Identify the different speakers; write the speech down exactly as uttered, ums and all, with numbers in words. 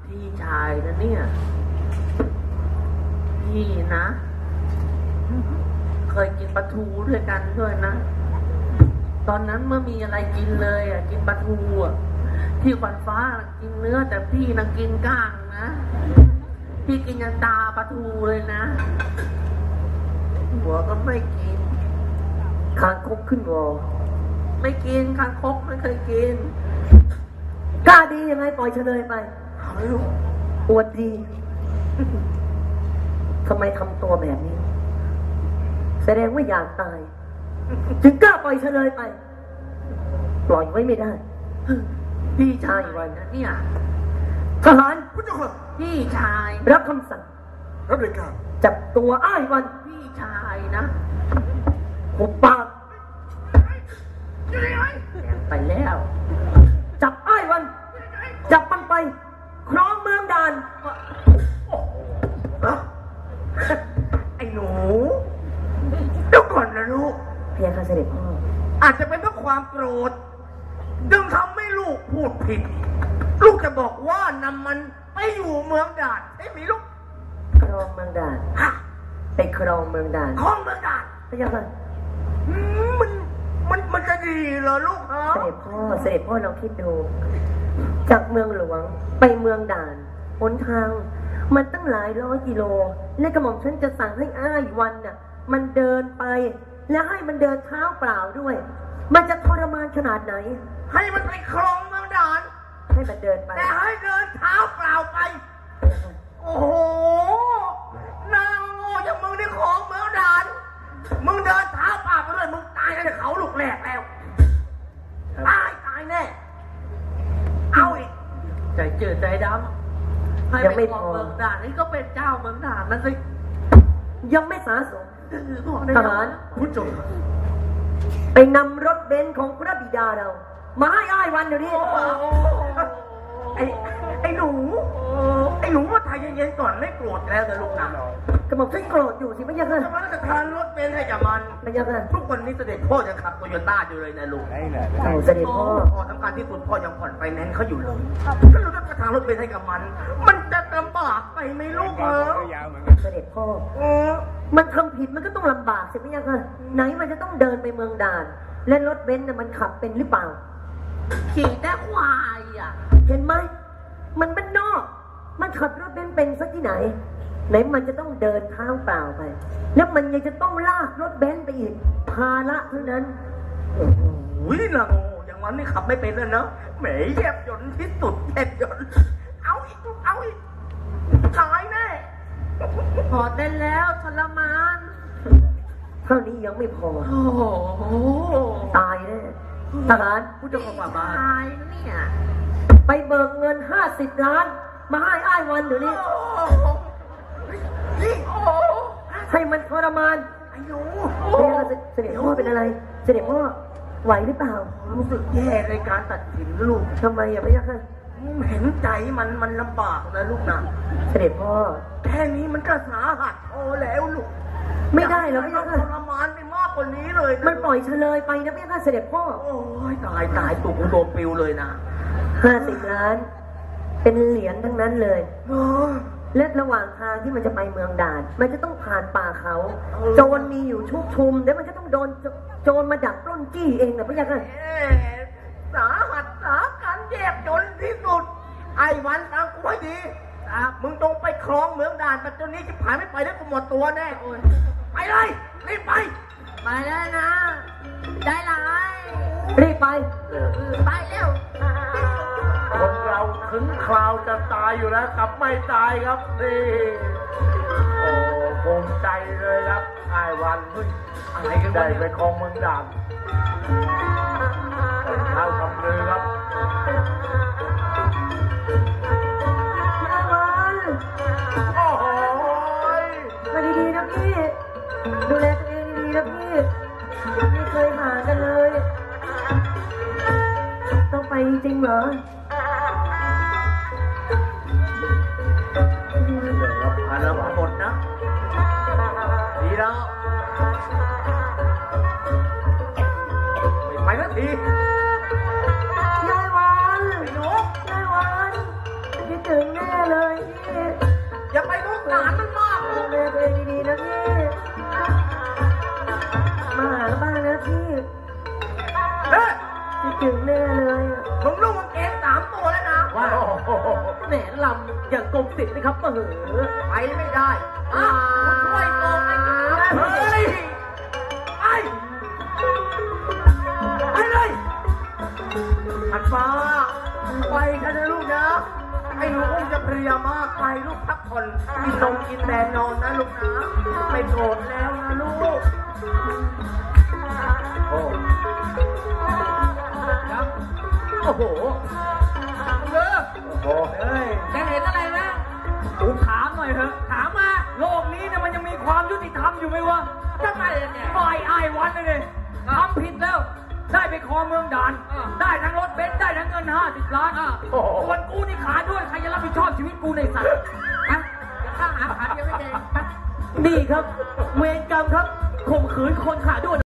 Speaker 1: พี่ชายนะเนี่ยพี่นะเคยกินปลาทูด้วยกันด้วยนะตอนนั้นเมื่อมีอะไรกินเลยอ่ะกินปลาทูอ่ะที่ขวัญฟ้ากินเนื้อแต่พี่น่ะกินก้างนะพี่กินยันตาปลาทูเลยนะหัวก็ไม่กินคางคกขึ้นวอไม่กินคางคกไม่เคยกินกล้าดียังไงปล่อยเฉลยไปอวดดีทำไมทำตัวแบบนี้แสดงว่าอยากตายจึงกล้าปล่อยเฉลยไปปล่อยไว้ไม่ได้พี่ชายวันนะเนี่ยทหารผู้เจ้าค่ะพี่ชายรับคำสั่งรับเลยครับจับตัวอ้ายวันพี่ชายนะหุบปากไปแล้วจับอ้ายวันจับมันไปครองเมืองด่านไอ้หนูเดี๋ยวก่อนนะลูกเพียงค่ะเสด็จพ่ออาจจะเป็นเพราะความโกรธจึงทำให้ลูกพูดผิดลูกจะบอกว่านำมันไปอยู่เมืองด่านใช่ไหมลูกครองเมืองด่านไปครองเมืองด่านครองเมืองด่านพระเจ้าค่ะมันมันมันจะดีเหรอลูกฮะเสด็จพ่อเสด็จพ่อเราคิดดูจากเมืองหลวงไปเมืองด่านหนทางมันตั้งหลายร้อยกิโลและกระหม่อมฉันจะสั่งให้อ้ายวันน่ะมันเดินไปและให้มันเดินเท้าเปล่าด้วยมันจะทรมานขนาดไหนให้มันไปครองเมืองด่านให้มันเดินไปแต่ให้เดินเท้าเปล่าไปโอ้โหนางโง่อย่างมึงนี่ครองเมืองด่านมึงเดินเท้าเปล่าไปด้วยมึงตายในเขาลูกแรกแล้วตายตายแน่เอาอีกใจเจือใจดำให้ไปครองเมืองด่านนี่ก็เป็นเจ้าเมืองด่านนั่นสิยังไม่สาสมทหารผู้ชมไปนำรถเบนซ์ของพระบิดาเรามาให้อ้ายวันเดี๋ยวนี้ไอ้ไอ้หนูไอ้หนูว่าทายเย็นๆก่อนไม่โกรธแล้วนะลูกนะกระหม่อมฉันโกรธอยู่สิไม่ยังไงจะมาจะทานรถเบนซ์ให้กับมันไม่ยังไงทุกวันนี้เสด็จพ่อยังขับโตโยต้าอยู่เลยนะลูกเสด็จพ่อพ่อสำคัญที่สุดพ่อยังผ่อนไฟแนนซ์เขาอยู่เลยถ้าเราจะทานรถเบนซ์ให้กับมันมันจะลำบากไปไหมลูกเออเสด็จพ่อมันทำผิดมันก็ต้องลำบากใช่ไหมยังไงไหนมันจะต้องเดินไปเมืองด่านและรถเบนซ์น่ะมันขับเป็นหรือเปล่าขี่แต่ควายอ่ะเห็นไหมมันบ้านนอกมันขับรถเบนซ์เป็นสักที่ไหนไหนมันจะต้องเดินเท้าเปล่าไปแล้วมันยังจะต้องลากรถเบนซ์ไปอีกภาระเท่านั้นโอ้โหนะโง่อย่างมันนี่ขับไม่เป็นเลยเนาะแหมแยบยนต์ที่สุดแยบยนต์เอาอีกเอาอีกตายแน่พอได้แล้วทรมานเท่านี้ยังไม่พอโอ้โหตายแน่ทหารผู้เจ้าของบ้านตายเนี่ยไปเบิกเงินห้าสิบล้านมาให้อ้ายวันเดี๋ยวนี้ให้มันทรมานไอ้หนูเสด็จพ่อเป็นอะไรเสด็จพ่อไหวหรือเปล่ารู้สึกแย่ในการตัดสินลูกทำไมอะพี่ยักษ์เห็นใจมันมันลำบากนะลูกนะเสด็จพ่อแค่นี้มันก็สาหัสพอแล้วลูกไม่ได้แล้วพี่ยักษ์ทรมานไปมากกว่านี้เลยมันปล่อยเฉลยไปนะพี่ยักษ์เสด็จพ่อโอ้ยตายตายตุกโดนปิวเลยนะห้าสิบล้านเป็นเหรียญทั้งนั้นเลยและระหว่างทางที่มันจะไปเมืองด่านมันจะต้องผ่านป่าเขาโจรมีอยู่ชุกชุมแล้วมันก็ต้องโดนโจรมาดักปล้นจี้เองนะพี่ยักษ์สาหัสสาการแยบจนที่สุดไอ้วันฟังกูให้ดีมึงต้องไปครองเมืองด่านแต่ตอนนี้จะผ่านไม่ไปได้กูหมดตัวแน่ไปเลยรีบไปไปแล้วนะได้เลยรีบไปไปเร็วคนเราถึงคราวจะตายอยู่แล้วกลับไม่ตายครับนี่โอ้ภูมิใจเลยครับไอ้วันอะไรกันได้ไปครองเมืองด่านเท้าทำเลยครับไอ้วันโอ้โหมาดีๆนะพี่ดูแลตัวเองดีๆนะพี่ไม่เคยหากันเลยต้องไปจริงเหรอผ่านแล้วหมดนะดีแล้วไปสักทียายวันไอ้หนูยายวันคิดถึงแม่
Speaker 2: แหนลำอย่างกรมศิลป์นะครับเออ
Speaker 1: ไปไม่ได้อ่าช่วยโกงไอ้หนูเฮ้ยไปไปเลยอันฟ้าไปกันนะลูกนะไอ้หนูคงจะเพลียมากไปลูกพักผ่อนกินนมกินแดนนอนนะลูกนะไม่โกรธแล้วนะลูกโอ้ครับโอ้โหเลิกโอ้เฮ้ยจะเห็นอะไรไหมผมถามหน่อยเถอะถามมาโลกนี้เนี่ยมันยังมีความยุติธรรมอยู่ไหมวะทำไมเนี่ยปล่อยไอ้วันเลยเลยทำผิดแล้วได้ไปครองเมืองด่านได้ทั้งรถเบนซ์ได้ทั้งเงินห้าสิบล้านส่วนกูนี่ขาด้วยใครจะรับผิดชอบชีวิตกูในสัตว์ฮะข้าหาขาเดียวไม่เอง
Speaker 2: นี่ครับเวรกรรมครับข่มขืนคนขาด้วน